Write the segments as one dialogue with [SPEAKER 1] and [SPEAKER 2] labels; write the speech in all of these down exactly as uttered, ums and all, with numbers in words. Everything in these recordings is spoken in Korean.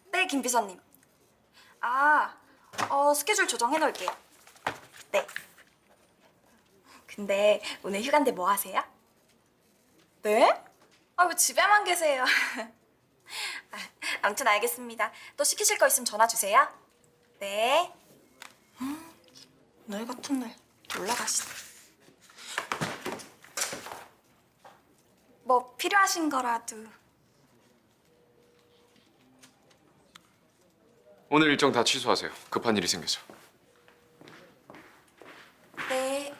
[SPEAKER 1] 네, 김 비서님. 아, 어, 스케줄 조정해 놓을게요. 네. 근데 오늘 휴가인데 뭐 하세요? 네? 아, 왜 집에만 계세요? 아, 아무튼 알겠습니다. 또 시키실 거 있으면 전화 주세요. 네. 음, 날 같은 날 올라가시네. 뭐 필요하신 거라도.
[SPEAKER 2] 오늘 일정 다 취소하세요. 급한 일이 생겨서.
[SPEAKER 1] 네.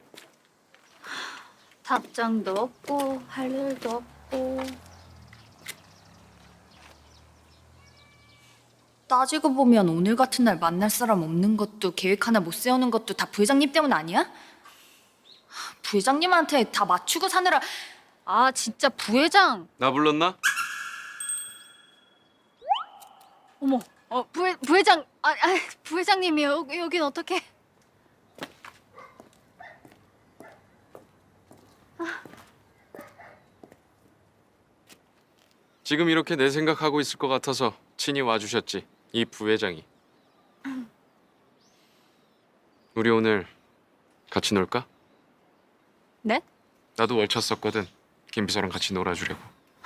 [SPEAKER 3] 답장도 없고 할 일도 없고. 따지고 보면 오늘 같은 날 만날 사람 없는 것도 계획 하나 못 세우는 것도 다 부회장님 때문 아니야? 부회장님한테 다 맞추고 사느라. 아 진짜 부회장.
[SPEAKER 2] 나 불렀나?
[SPEAKER 3] 어머, 어 부회 부회장. 아, 아 부회장님이 여기 여긴 어떻게?
[SPEAKER 2] 지금 이렇게 내 생각하고 있을 것 같아서 친히 와주셨지. 이 부회장이. 우리 오늘 같이 놀까?
[SPEAKER 3] 네?
[SPEAKER 2] 나도 월쳤었거든. 김 비서랑 같이 놀아주려고.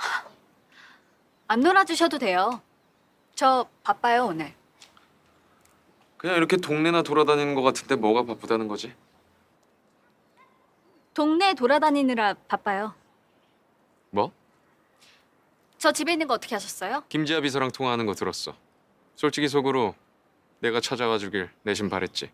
[SPEAKER 3] 안 놀아주셔도 돼요. 저 바빠요 오늘.
[SPEAKER 2] 그냥 이렇게 동네나 돌아다니는 것 같은데 뭐가 바쁘다는 거지?
[SPEAKER 3] 동네 돌아다니느라 바빠요.
[SPEAKER 2] 뭐?
[SPEAKER 3] 저 집에 있는 거 어떻게 하셨어요?
[SPEAKER 2] 김지아 비서랑 통화하는 거 들었어. 솔직히 속으로 내가 찾아와 주길 내심 바랬지.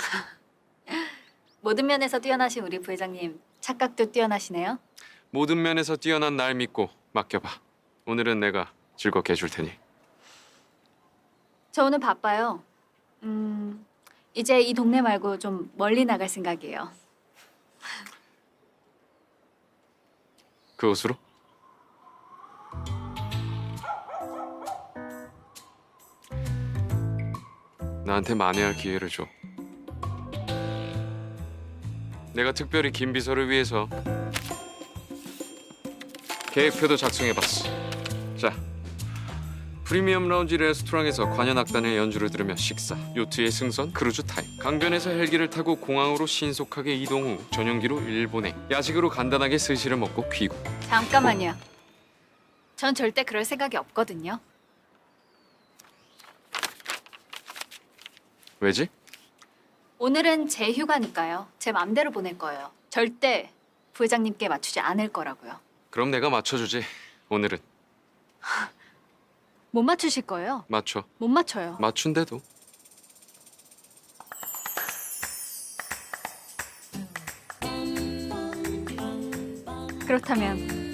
[SPEAKER 3] 모든 면에서 뛰어나신 우리 부회장님 착각도 뛰어나시네요.
[SPEAKER 2] 모든 면에서 뛰어난 날 믿고 맡겨봐. 오늘은 내가 즐겁게 해줄 테니.
[SPEAKER 3] 저 오늘 바빠요. 음, 이제 이 동네 말고 좀 멀리 나갈 생각이에요.
[SPEAKER 2] 그 옷으로? 나한테 만회할 기회를 줘. 내가 특별히 김 비서를 위해서 계획표도 작성해봤어. 자, 프리미엄 라운지 레스토랑에서 관현악단의 연주를 들으며 식사, 요트의 승선, 크루즈 타임, 강변에서 헬기를 타고 공항으로 신속하게 이동 후 전용기로 일본행, 야식으로 간단하게 스시를 먹고 귀국.
[SPEAKER 3] 잠깐만요. 전 절대 그럴 생각이 없거든요.
[SPEAKER 2] 왜지?
[SPEAKER 3] 오늘은 제 휴가니까요. 제 맘대로 보낼 거예요. 절대 부회장님께 맞추지 않을 거라고요.
[SPEAKER 2] 그럼 내가 맞춰주지. 오늘은
[SPEAKER 3] 못 맞추실 거예요?
[SPEAKER 2] 맞춰.
[SPEAKER 3] 못 맞춰요.
[SPEAKER 2] 맞춘대도.
[SPEAKER 3] 그렇다면